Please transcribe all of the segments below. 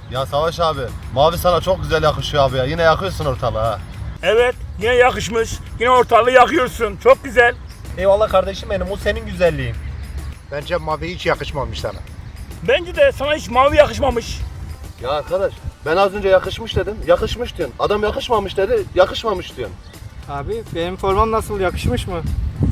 Ya Savaş abi, mavi sana çok güzel yakışıyor abi ya. Yine yakıyorsun ortalığı ha. Evet, yine yakışmış. Yine ortalığı yakıyorsun. Çok güzel. Eyvallah kardeşim benim, o senin güzelliğin. Bence mavi hiç yakışmamış sana. Bence de sana hiç mavi yakışmamış. Ya arkadaş, ben az önce yakışmış dedim. Yakışmış diyorsun. Adam yakışmamış dedi, yakışmamış diyorsun. Abi benim formam nasıl, yakışmış mı?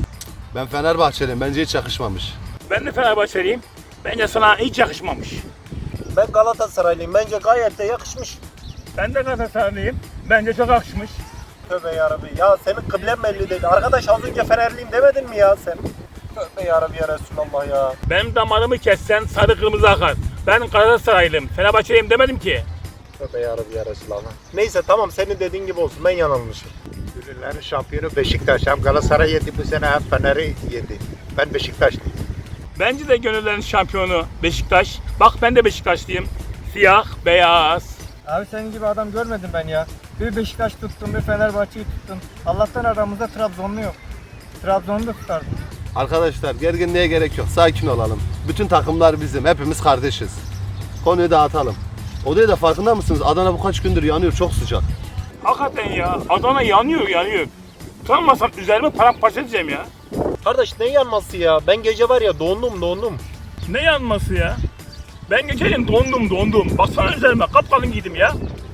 Ben Fenerbahçeliyim, bence hiç yakışmamış. Ben de Fenerbahçeliyim. Bence sana hiç yakışmamış. Ben Galatasaraylıyım, bence gayet de yakışmış. Ben de Galatasaraylıyım. Bence çok yakışmış. Tövbe yarabbi, ya senin kıblen belli değil. Arkadaş az önce Fenerliyim demedin mi ya sen? Tövbe yarabbi ya Resulallah ya. Benim damarımı kessen sarı kırmızı akar. Ben Galatasaraylıyım. Fenerbahçeliyim demedim ki. Tövbe yarabbi ya Resulallah. Neyse tamam, senin dediğin gibi olsun, ben yanılmışım. Ünlülerin şampiyonu Beşiktaş. Hem Galatasaray yedi bu sene hem Fener'i yedi. Ben Beşiktaşlıyım. Bence de gönüllerin şampiyonu Beşiktaş. Bak ben de Beşiktaşlıyım. Siyah, beyaz. Abi senin gibi adam görmedim ben ya. Bir Beşiktaş tuttum, bir Fenerbahçe'yi tuttum. Allah'tan aramızda Trabzonlu yok. Trabzon'u da tutardım. Arkadaşlar gerginliğe gerek yok, sakin olalım. Bütün takımlar bizim, hepimiz kardeşiz. Konuyu dağıtalım. Odaya da farkında mısınız? Adana bu kaç gündür yanıyor, çok sıcak. Hakikaten ya. Adana yanıyor yanıyor. Utanmasam üzerime paramparça edeceğim ya. Kardeş ne yanması ya? Ben gece var ya dondum. Ne yanması ya? Ben geçelim dondum. Baksana üzerime kapkalın giydim ya.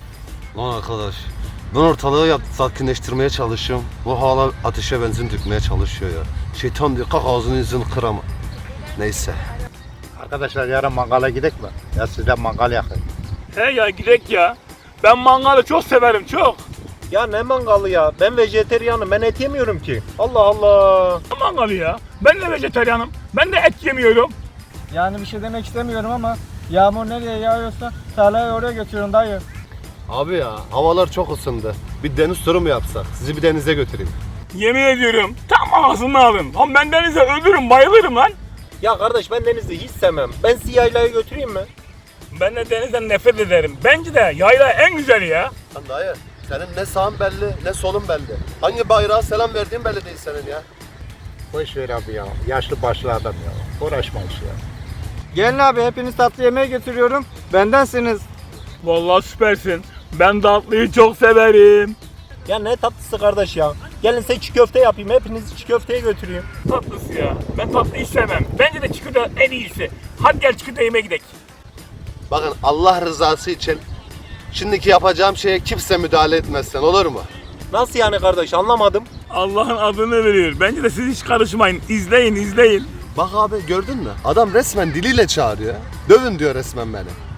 Lan arkadaş, ben ortalığı sakinleştirmeye çalışıyorum. Bu hala ateşe benzin dökmeye çalışıyor ya. Şeytan diyor, kalk ağzını yüzünü kırama. Neyse. Arkadaşlar yarın mangala gidelim mi? Ya sizden mangal yakın. He ya gidek ya. Ben mangalı çok severim çok. Ya ne mangalı ya? Ben vejeteryanım, ben et yemiyorum ki. Allah Allah. Ne mangalı ya? Ben de vejetaryenim. Ben de et yemiyorum. Yani bir şey demek istemiyorum ama yağmur nereye yağıyorsa tarlayı oraya götürüyorum dayı. Abi ya, havalar çok ısındı. Bir deniz turu mu yapsak? Sizi bir denize götüreyim. Yemin ediyorum tam ağzını alın. Lan ben denize ölürüm bayılırım lan. Ya kardeş ben denizi hiç sevmem. Ben sizi yaylaya götüreyim mi? Ben de denizden nefret ederim. Bence de yayla en güzeli ya. Lan dayı, senin ne sağın belli, ne solun belli. Hangi bayrağa selam verdiğin belli değil senin ya. Boş ver abi ya. Yaşlı başlı adam ya. Uğraşma iş ya. Gelin abi, hepiniz tatlı yemeğe götürüyorum. Bendensiniz. Vallahi süpersin. Ben tatlıyı çok severim. Ya ne tatlısı kardeş ya. Gelin size çiğ köfte yapayım. Hepinizi çiğ köfteye götüreyim. Tatlısı ya. Ben tatlıyı sevmem. Bence de çikolata en iyisi. Hadi gel çikolata yemeye gidelim. Bakın Allah rızası için şimdiki yapacağım şeye kimse müdahale etmezsen olur mu? Nasıl yani kardeş, anlamadım. Allah'ın adını veriyor. Bence de siz hiç karışmayın. İzleyin. Bak abi gördün mü? Adam resmen diliyle çağırıyor. Dövün diyor resmen beni.